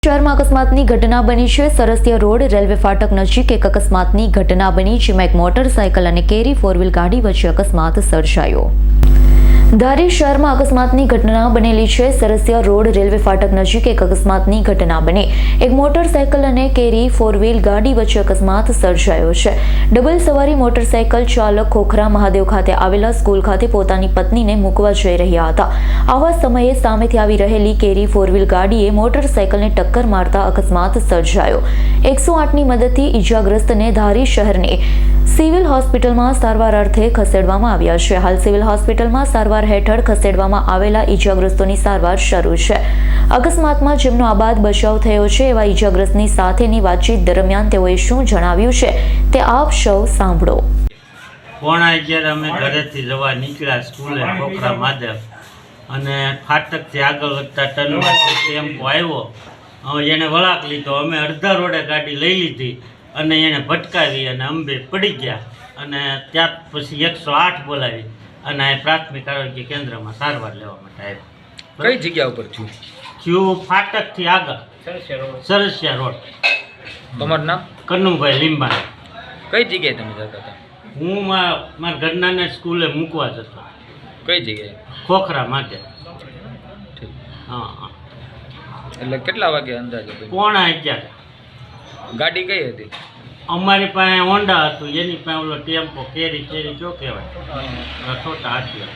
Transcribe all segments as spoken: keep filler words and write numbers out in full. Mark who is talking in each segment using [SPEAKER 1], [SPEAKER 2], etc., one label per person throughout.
[SPEAKER 1] શહેરમાં અકસ્માતની ઘટના બની છે। સરસિયા રોડ રેલવે ફાટક નજીક એક અકસ્માતની ઘટના બની, જેમાં એક મોટરસાયકલ અને કેરી ફોર વ્હીલ ગાડી વચ્ચે અકસ્માત સર્જાયો। ધારી શહેરમાં અકસ્માતની ઘટના બનેલી છે। સરસિયા રોડ રેલવે ફાટક નજીક એક અકસ્માતની ઘટના બની, એક મોટરસાયકલ અને કેરી ફોર વ્હીલ ગાડી વચ્ચે અકસ્માત સર્જાયો છે। ડબલ સવારી મોટરસાયકલ ચાલક ખોખરા મહાદેવ ખાતે આવેલા સ્કૂલ ખાતે પોતાની પત્નીને મૂકવા જઈ રહ્યા હતા। આવા સમયે સામેથી આવી રહેલી કેરી ફોર વ્હીલ ગાડીએ મોટરસાયકલને ટક્કર મારતા અકસ્માત સર્જાયો। એકસો આઠની મદદથી ઈજાગ્રસ્તને ધારી શહેરની સિવિલ હોસ્પિટલમાં સારવાર અર્થે ખસેડવામાં આવ્યા છે। હાલ સિવિલ હોસ્પિટલમાં સારવાર હેઠળ ખસેડવામાં આવેલા ઈજાગ્રસ્તોની સારવાર શરૂ છે। અકસ્માતમાં જેમનો આબાદ બચાવ થયો છે એવા ઈજાગ્રસ્તની સાથેની વાતચીત દરમિયાન તેઓએ શું જણાવ્યું છે તે આપ સૌ સાંભળો।
[SPEAKER 2] પોણા અગિયાર અમે ઘરેથી જવા નીકળ્યા સ્કૂલે ખોખરા મહાદેવ, અને ફાટકથી આગળ વધતા ટર્નમાંથી ટેમ્પો આવ્યો, એને વળાંક લીધો। અમે અડધા રોડે ગાડી લઈ લીધી અને એને ભટકાવી અને અંબે પડી ગયા, અને ત્યાર પછી એકસો આઠ બોલાવી અને આ પ્રાથમિક આરોગ્ય કેન્દ્રમાં સારવાર લેવા માટે આવ્યા।
[SPEAKER 3] કઈ જગ્યા ઉપર છું?
[SPEAKER 2] થયું ફાટકથી આગળ સરસિયા રોડ।
[SPEAKER 3] તમારું નામ?
[SPEAKER 2] કનુભાઈ લીંબા।
[SPEAKER 3] કઈ જગ્યાએ તમે જતા હતા?
[SPEAKER 2] હું મારા ઘરનાને સ્કૂલે મૂકવા જતો।
[SPEAKER 3] કઈ જગ્યાએ?
[SPEAKER 2] ખોખરા માટે।
[SPEAKER 3] ઠીક,
[SPEAKER 2] હા હા।
[SPEAKER 3] એટલે કેટલા વાગે અંદાજે?
[SPEAKER 2] પોણા અગિયાર।
[SPEAKER 3] ગાડી કઈ હતી?
[SPEAKER 2] અમારી પાસે હોન્ડા હતું, એની પાસે ઓલો ટેમ્પો કેરી કેરી જો કહેવાય છોટા હાથીઓ।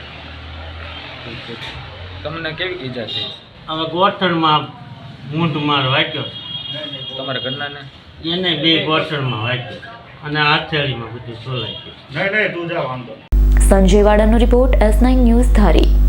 [SPEAKER 3] તમને કેવી ઈજા થઈ?
[SPEAKER 2] હવે ગોઠણમાં મૂંઢ માર વાગ્યો,
[SPEAKER 3] તમારા ઘરનાને?
[SPEAKER 2] એને બે ગોઠણમાં વાગ્યો અને હથેળીમાં બધું સોલાઈ ગયું।
[SPEAKER 1] સંજય વાડાનો રિપોર્ટ, એસ નાઇન ન્યૂઝ ધારી।